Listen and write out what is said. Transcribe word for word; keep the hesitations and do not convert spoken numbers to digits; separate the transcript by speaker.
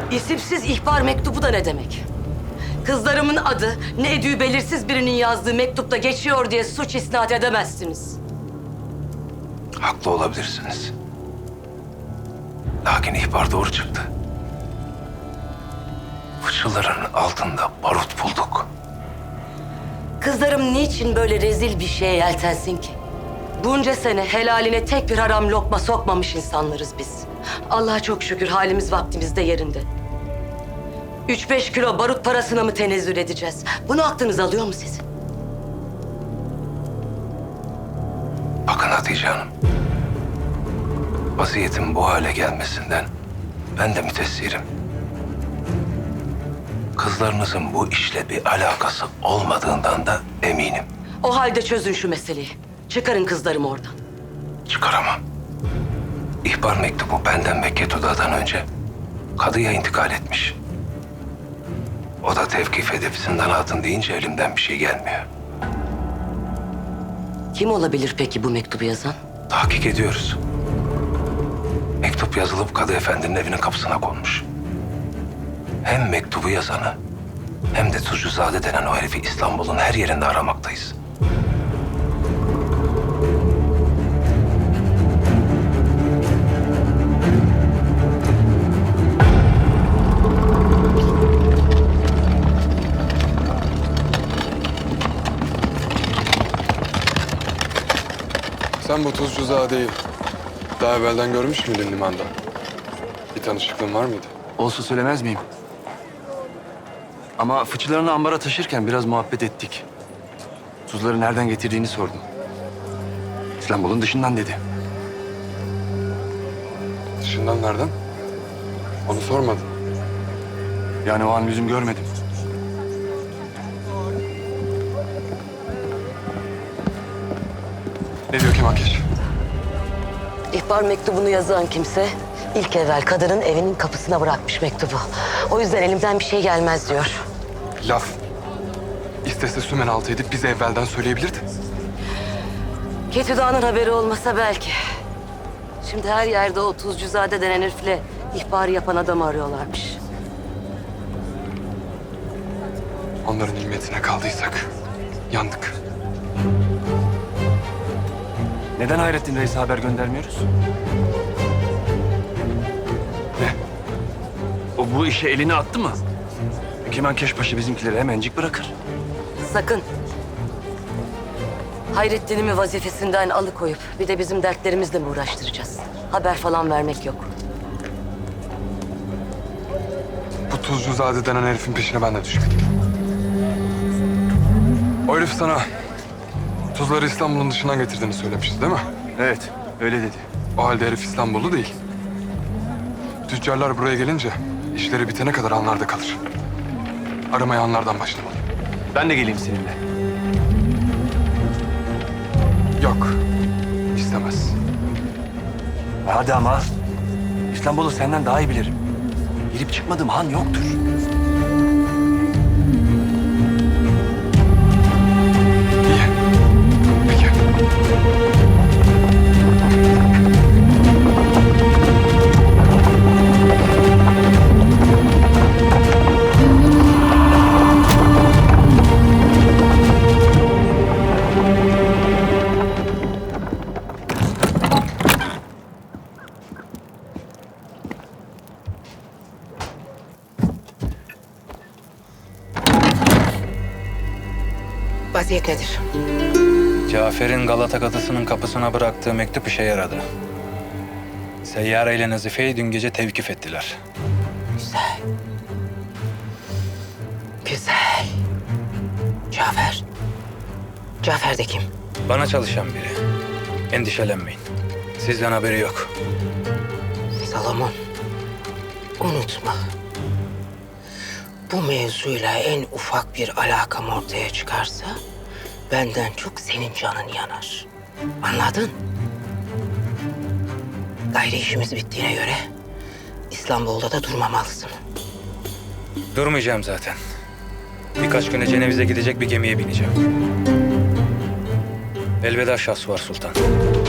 Speaker 1: İsimsiz ihbar mektubu da ne demek? Kızlarımın adı ne edüğü belirsiz birinin yazdığı mektupta geçiyor diye suç isnat edemezsiniz.
Speaker 2: Haklı olabilirsiniz. Lakin ihbar doğru çıktı. Fıçıların altında barut bulduk.
Speaker 1: Kızlarım niçin böyle rezil bir şeye yeltensin ki? Bunca sene helaline tek bir haram lokma sokmamış insanlarız biz. Allah'a çok şükür halimiz vaktimizde yerinde. Üç beş kilo barut parasına mı tenezzül edeceğiz? Bunu aklınız alıyor mu sizin?
Speaker 2: Bakın Hatice Hanım. Vaziyetin bu hale gelmesinden ben de mütessirim. Kızlarınızın bu işle bir alakası olmadığından da eminim.
Speaker 1: O halde çözün şu meseleyi. Çıkarın kızlarımı oradan.
Speaker 2: Çıkaramam. İhbar mektubu benden ve Ketuda'dan önce kadıya intikal etmiş. O da tevkif edip zindana atın deyince elimden bir şey gelmiyor.
Speaker 1: Kim olabilir peki bu mektubu yazan?
Speaker 2: Tahkik ediyoruz. Mektup yazılıp Kadı Efendi'nin evinin kapısına konmuş. Hem mektubu yazanı hem de Tuzcuzade denen o herifi İstanbul'un her yerinde aramaktayız.
Speaker 3: Sen bu Tuzcuzade'yi daha evvelden görmüş müydün limanda? Bir tanışıklığın var mıydı?
Speaker 4: Olsa söylemez miyim? Ama fıçılarını ambara taşırken biraz muhabbet ettik. Tuzları nereden getirdiğini sordum. İstanbul'un dışından dedi.
Speaker 3: Dışından nereden? Onu sormadım.
Speaker 4: Yani o an yüzüm görmedim.
Speaker 3: Ne diyor Kemal Keş?
Speaker 1: İhbar mektubunu yazan kimse ilk evvel kadının evinin kapısına bırakmış mektubu. O yüzden elimden bir şey gelmez diyor.
Speaker 3: Laf. İstese sümen altı edip bize evvelden söyleyebilirdi.
Speaker 1: Ketüda'nın haberi olmasa belki. Şimdi her yerde o Tuzcuzade denen herifle ihbarı yapan adamı arıyorlarmış.
Speaker 3: Onların nimetine kaldıysak yandık.
Speaker 4: Neden Hayrettin Reis'e haber göndermiyoruz?
Speaker 3: Ne?
Speaker 4: O bu işe elini attı mı? Kemal Keşpaşa bizimkileri hemencik bırakır.
Speaker 1: Sakın. Hayrettin'imi vazifesinden alıkoyup bir de bizim dertlerimizle mi uğraştıracağız? Haber falan vermek yok.
Speaker 3: Bu Tuzcuzade denen herifin peşine ben de düşmedim. O herif sana tuzları İstanbul'un dışından getirdiğini söylemişti değil mi?
Speaker 4: Evet, öyle dedi.
Speaker 3: O halde herif İstanbullu değil. Tüccarlar buraya gelince işleri bitene kadar anlarda kalır. Aramaya anlardan başlamalı.
Speaker 4: Ben de geleyim seninle.
Speaker 3: Yok, istemez.
Speaker 4: Hadi ama. İstanbul'u senden daha iyi bilirim. Girip çıkmadığım han yoktur.
Speaker 3: İyi. Peki.
Speaker 5: Vaziyet nedir?
Speaker 6: Cafer'in Galata Kadısı'nın kapısına bıraktığı mektup işe yaradı. Seyyare ile Nazife'yi dün gece tevkif ettiler.
Speaker 5: Güzel. Güzel. Cafer. Cafer de kim?
Speaker 6: Bana çalışan biri. Endişelenmeyin. Sizden haberi yok.
Speaker 5: Salomon. Unutma. Bu mevzuyla en ufak bir alakam ortaya çıkarsa benden çok senin canın yanar. Anladın? Gayri işimiz bittiğine göre İstanbul'da da durmamalısın.
Speaker 6: Durmayacağım zaten. Birkaç güne Ceneviz'e gidecek bir gemiye bineceğim. Elveda Şahsuvar Sultan.